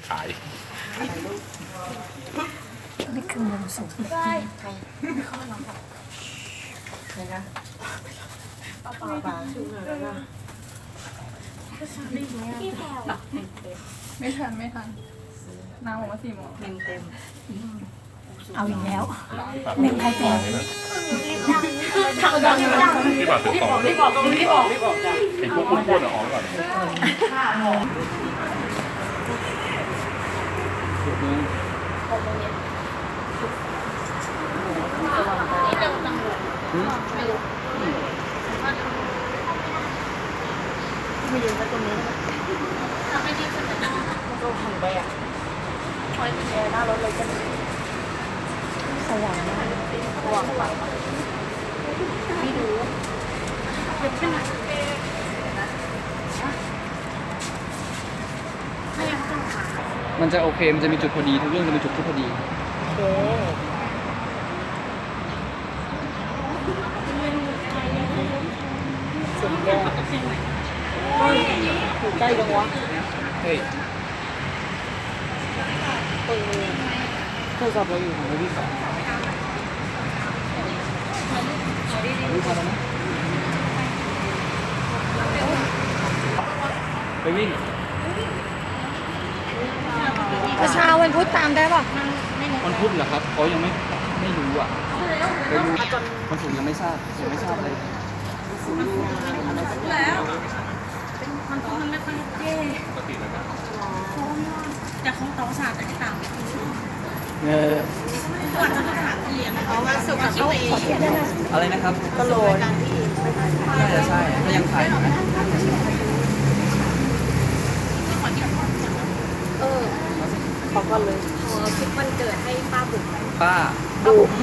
ถ่ายนี่คือมุมสูงได้ใครใครนะป้าพี่แพรวไม่ทันน้ำออกมา4 โมงเต็มเอาอีกแล้วเมงไทยแปลงดังที่บาดถึงต่อรีบบอกจ้ะไอ้พวกอ้วนๆออกก่อนไม่ยืนตรงนี้มันก็หันไปอ่ะคอยเป็นหน้ารถเลยกันสว่างมากระวังไปไม่ดูเป็นหนักมันจะโอเค มันจะมีจุดพอดี ทุกเรื่องจะมีจุดที่พอดีโอเคเสียงแย่อยู่ใกล้จังวะเฮ้ย โทรศัพท์เราอยู่ของพี่สองรู้พอแล้วนะไปวิ่งประชาวันพุธตามได้ป่ะวันพุธเหรอครับเขายังไม่รู้อ่ะไปรู้วันศุกร์ยังไม่ทราบเลยแต่ของโต๊ะศาสตร์ต่างเออๆก่อนจะสถานที่เขาว่าสุขภาพอะไรนะครับกระโหลกน่าจะใช่ถ้ายังถ่ายอยู่นะขอก่อนเลยคลิปวันเกิดให้ป้าบุ๋มป้าบุ๋ม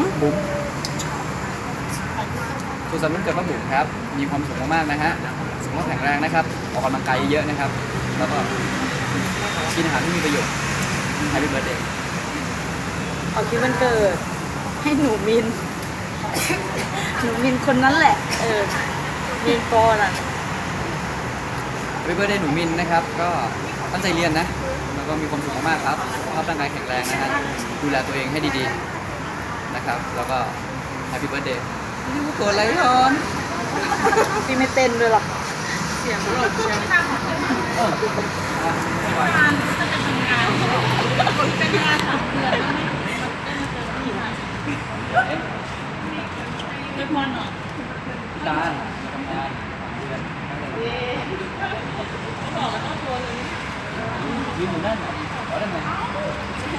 สุขสันต์วันเกิดป้าบุ๋มครับ มีความสุขมากๆนะฮะสุขภาพแข็งแรงนะครับ ออกกำลังกายเยอะๆนะครับ แล้วก็กินอาหารที่มีประโยชน์ Happy Birthday ขอคิดวันเกิด ให้หนูมิน หนูมินคนนั้นแหละ มินปอน่ะ Happy Birthday หนูมินนะครับ ก็ตั้งใจเรียนนะ แล้วก็มีความสุขมากๆครับสุขภาพร่างกายแข็งแรงนะฮะ ดูแลตัวเองให้ดีๆนะครับ แล้วก็ Happy Birthday นี่มันเกิดอะไรร้อนพี่ไม่เต้นด้วยหรอเสียงหลดเสียงตาทำงานยืนอยู่นั่นขอได้ไหม